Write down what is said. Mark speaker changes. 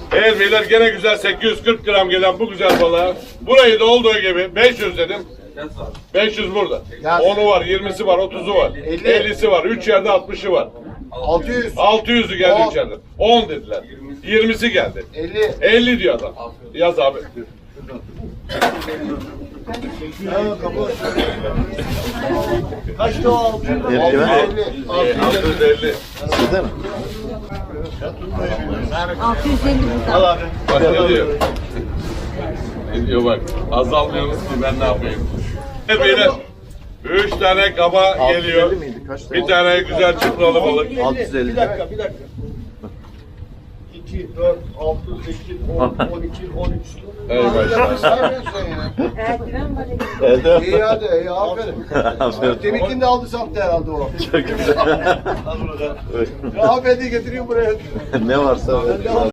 Speaker 1: Evet beyler gene güzel 840 gram gelen bu güzel balığa. Burayı da olduğu gibi 500 dedim. 500 burada. 10'u var, 20'si var, 30'u var. 50'si var, 3 yerde 60'ı var.
Speaker 2: 600.
Speaker 1: 600'ü geldi 3 yerde. 10 dediler. 20'si geldi.
Speaker 2: 50.
Speaker 1: 50 diyor adam. Yaz abi.
Speaker 2: Kaçtı o 600?
Speaker 1: 650.
Speaker 3: 650 burada.
Speaker 1: Bak ne diyor? Ne diyor bak. Azalmıyorsunuz ki ben ne yapayım? Evet beyler. 3 tane kaba geliyor. Bir tane güzel çıpralı balık.
Speaker 4: 650.
Speaker 2: Bir dakika. 2, 4, 6, 8, 10, 12, 13.
Speaker 1: Eyvallah.
Speaker 3: Erdiven var.
Speaker 4: Evet.
Speaker 2: İyi hadi, iyi aferin.
Speaker 4: Aferin.
Speaker 2: Deminkini de aldı saptı herhalde o.
Speaker 4: Çok güzel.
Speaker 2: Afeti getiriyor buraya.
Speaker 4: Ne varsa.